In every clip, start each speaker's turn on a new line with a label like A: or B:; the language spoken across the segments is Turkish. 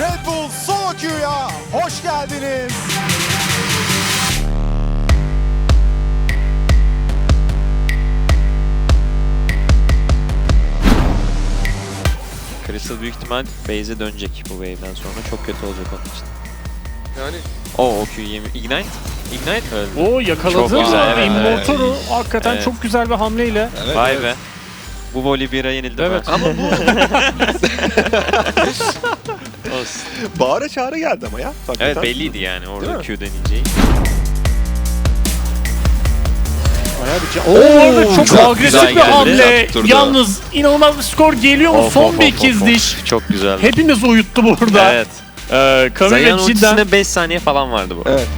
A: Red Bull Solo Queue'ya hoş geldiniz.
B: Crystal büyük ihtimal base'e dönecek bu wave'den sonra. Çok kötü olacak onun için.
C: Yani
B: O Q'yu yemi... Ignite? Ignite öldü.
D: O yakaladı.
B: Çok güzel, evet,
D: Immortal'u hakikaten
B: Evet.
D: çok güzel bir hamleyle.
C: evet,
B: Vay
C: evet.
B: be. Bu Volibear'a yenildim
D: Evet.
B: ben.
C: Ama bu
B: Olsun.
C: bağıra çağrı geldi ama ya. Hakikaten.
B: Evet belliydi yani orada
C: Değil mi?
B: Q deneyeceği.
D: Orada çok
B: çok
D: agresif
B: güzel
D: bir
B: geldi.
D: hamle.
C: Yaptırdı.
D: Yalnız inanılmaz bir skor geliyor mu?
B: Of,
D: Son
B: of,
D: bir
B: of,
D: ikiz
B: of,
D: diş.
B: of. Çok güzeldi.
D: Hepimiz uyuttu burada.
B: Evet.
D: Kami
B: Zayan
D: ve cidden
B: ultisine 5 saniye falan vardı bu.
C: Evet.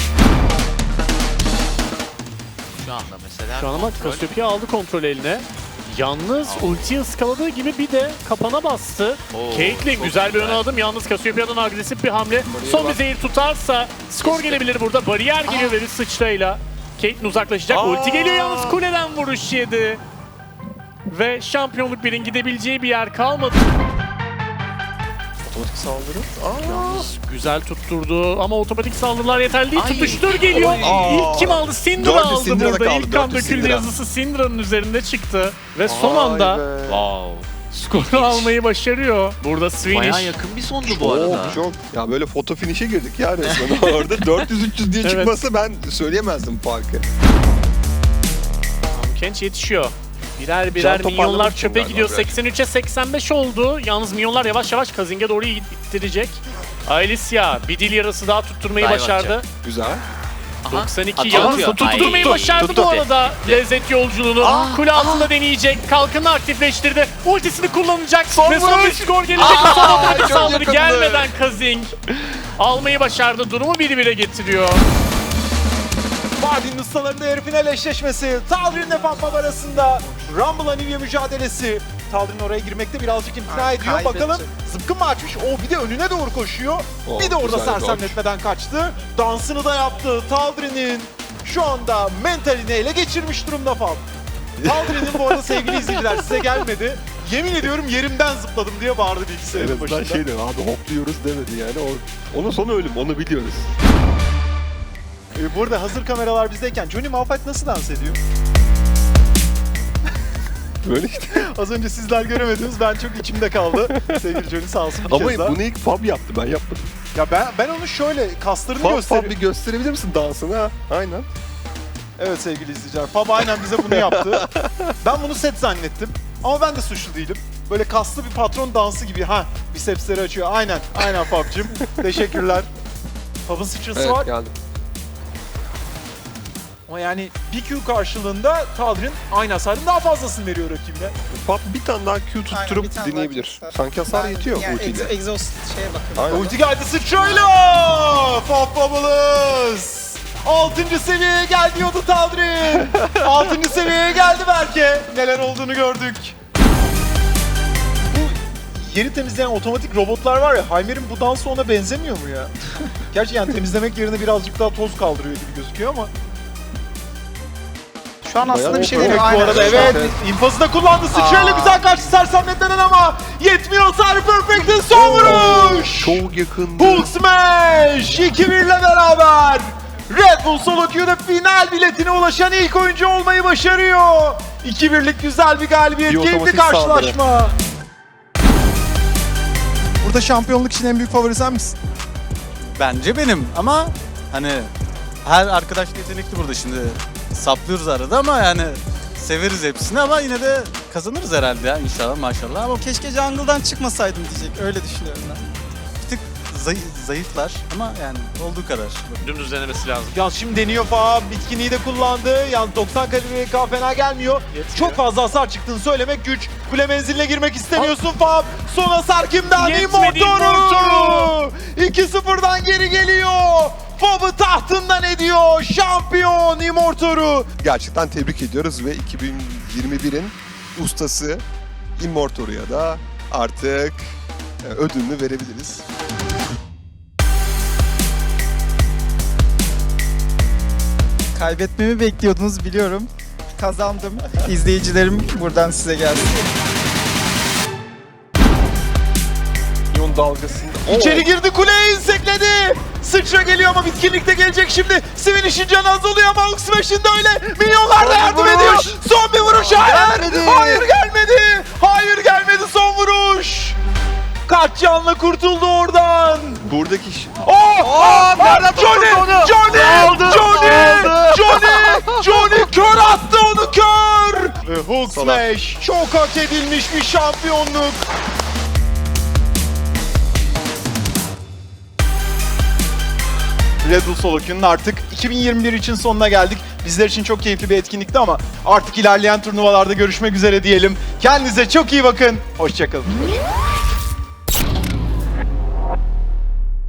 E: Şu anda mesela
D: şu an ama
E: kontrol.
D: Cassiopeia aldı kontrol eline. Yalnız ultiyi ıskaladığı gibi bir de kapana bastı.
E: Oo,
D: Caitlyn
E: çok
D: güzel bir
E: güzel.
D: ön adım. Yalnız Cassiopeia'dan agresif bir hamle. Son bir zehir tutarsa skor gelebilir burada. Bariyer geliyor ve bir sıçrayla. Caitlyn uzaklaşacak. Ulti geliyor yalnız kuleden vuruş yedi. Ve şampiyonluk birin gidebileceği bir yer kalmadı.
C: Otomatik saldırı.
D: Yalnız güzel tutturdu ama otomatik saldırılar yeterli değil.
E: Ay.
D: Tutuştur geliyor.
C: Ay.
D: İlk kim aldı? Syndra
C: Dördü
D: aldı
C: Syndra'da
D: burada.
C: kaldı,
D: İlk kan
C: dördü
D: döküldü
C: Syndra.
D: yazısı Syndra'nın üzerinde çıktı. Ve son anda
B: Wow.
D: skoru almayı başarıyor. Burada
E: Bayağı
D: Swinish.
E: yakın bir sondu bu arada.
C: Çok. Ya böyle foto finish'e girdik ya resmen orada. 400-300 diye
D: Evet.
C: çıkmasa ben söyleyemezdim farkı.
D: Kench yetişiyor. Birer
C: Can
D: birer
C: toparlamak
D: minyonlar
C: için
D: çöpe
C: galiba
D: gidiyor.
C: biraz.
D: 83'e 85 oldu. Yalnız minyonlar yavaş yavaş Kazing'e doğru ittirecek. Alicia bir dil yarası daha tutturmayı
E: Dive
D: başardı.
E: atacak.
C: Güzel.
E: Aha.
D: 92
E: Atıyor.
D: yalnız
E: Ay.
D: tutturmayı
C: Tuttu,
D: başardı
C: tuttu.
D: bu arada. Lezzet yolculuğunu kule altında deneyecek. Kalkanı aktifleştirdi. Ultisini kullanacak. Ve son bir skor gelecek. Son otomatik
C: çok
D: saldırı
C: yakındı.
D: gelmeden Kazing almayı başardı. Durumu 1-1'e getiriyor.
A: Mardin'in ustalarında yarı final eşleşmesi. Taldir'in Defenpab arasında Rumble Anivia mücadelesi. Taldir'in oraya girmekte birazcık imtina ediyor. Bakalım zıpkın mı açmış? O bir de önüne doğru koşuyor.
C: Oh,
A: Bir de orada
C: güzel
A: sersemletmeden kaçtı. Dansını da yaptı. Taldir'in şu anda mentalini ele geçirmiş durumda Fab. Taldir'in bu arada sevgili izleyiciler size gelmedi. Yemin ediyorum yerimden zıpladım diye bağırdı
C: En
A: bilgisayarın
C: azından
A: başında.
C: şey dedi abi hopluyoruz demedi yani. Onun sonu ölüm onu biliyoruz.
A: Bu arada hazır kameralar bizdeyken Johnny Malphite nasıl dans ediyor?
C: Böyle işte.
A: Az önce sizler göremediniz, ben çok içimde kaldı. Sevgili Johnny sağ olsun bir
C: Ama
A: kez daha.
C: bunu ilk Fab yaptı ben yapmadım.
A: Ya ben onu şöyle kaslarını
C: Fab
A: gösteriyorum.
C: bir gösterebilir misin dansını ha? Aynen.
A: Evet sevgili izleyiciler, Fab aynen bize bunu yaptı. Ben bunu set zannettim ama ben de suçlu değilim. Böyle kaslı bir patron dansı gibi bisepsleri açıyor. Aynen Fab'cığım. Teşekkürler. Fab'ın sıçrası var
C: geldim.
A: ama yani bir Q karşılığında Taldir'in aynı hasarın daha fazlasını veriyor rakibine.
C: Fab bir tane daha Q
F: Aynen,
C: tutturup
F: bir tane daha
C: deneyebilir.
F: tutsa.
C: Sanki hasar
F: Ben-
C: yetiyor
F: yani
C: ultiyle.
F: Exhaust şeye bakıyorum.
C: Aynen.
A: Ulti geldi sıçrayla! Fab Bubbles! 6. seviyeye gel diyordu Taldir'in. 6. seviyeye geldi Berke. Neler olduğunu gördük. Bu yeri temizleyen otomatik robotlar var ya, Heimer'in bu dansı ona benzemiyor mu ya? Gerçi yani temizlemek yerine birazcık daha toz kaldırıyor gibi gözüküyor ama.
F: Şu an aslında bir şey değil.
A: Perfect bu arada evet. İnfazı da kullandı. Sıçrayla güzel karşı sersemletilen ama yetmiyor hasarı Perfect'in son vuruş.
C: Çok yakındı.
A: Hulk Smash 2-1 ile beraber Red Bull Solo Queue'da final biletine ulaşan ilk oyuncu olmayı başarıyor. 2-1'lik güzel bir galibiyet,
C: Bir
A: keyifli
C: otomatik
A: karşılaşma. Burada şampiyonluk için en büyük favori sen misin?
G: Bence benim ama hani her arkadaş yetenekli burada şimdi saplıyoruz arada ama yani severiz hepsini ama yine de kazanırız herhalde ya inşallah maşallah ama
F: Keşke jungle'dan çıkmasaydım diyecek. Öyle düşünüyorum ben.
G: bir tık zayıflar ama yani olduğu kadar.
D: Dümdüz denemesi lazım.
A: Ya şimdi deniyor Fab, bitkinliği de kullandı. Yani 90 kalori fena gelmiyor. Çok fazla hasar çıktığını söylemek güç. Kule menziline girmek istemiyorsun Fab. Son hasar kimden?
D: Yetmedi
A: Immortoru! 2-0'dan geri geliyor. Fab'ı tahtından ediyor. Şampiyon Immortoru.
C: Gerçekten tebrik ediyoruz ve 2021'in ustası Immortoru'ya da artık ödülünü verebiliriz.
F: Kaybetmemi bekliyordunuz biliyorum. Kazandım. İzleyicilerim buradan size gelsin.
C: dalgasında.
A: İçeri girdi, kuleyi insekledi. Sıçra geliyor ama bitkinlikte gelecek şimdi. Sivillish'in canı azalıyor ama Hulk Smash'in de öyle. Milyonlar da yardım ediyor. Son bir vuruş, hayır. Hayır gelmedi. Hayır gelmedi son vuruş. Kaç canla kurtuldu oradan.
C: Buradaki
A: Johnny kör attı onu, kör. Ve Hulk Smash çok hak edilmiş bir şampiyonluk. Red Bull Solo Queue'nun artık 2021 için sonuna geldik. Bizler için çok keyifli bir etkinlikti ama artık ilerleyen turnuvalarda görüşmek üzere diyelim. Kendinize çok iyi bakın. Hoşça kalın.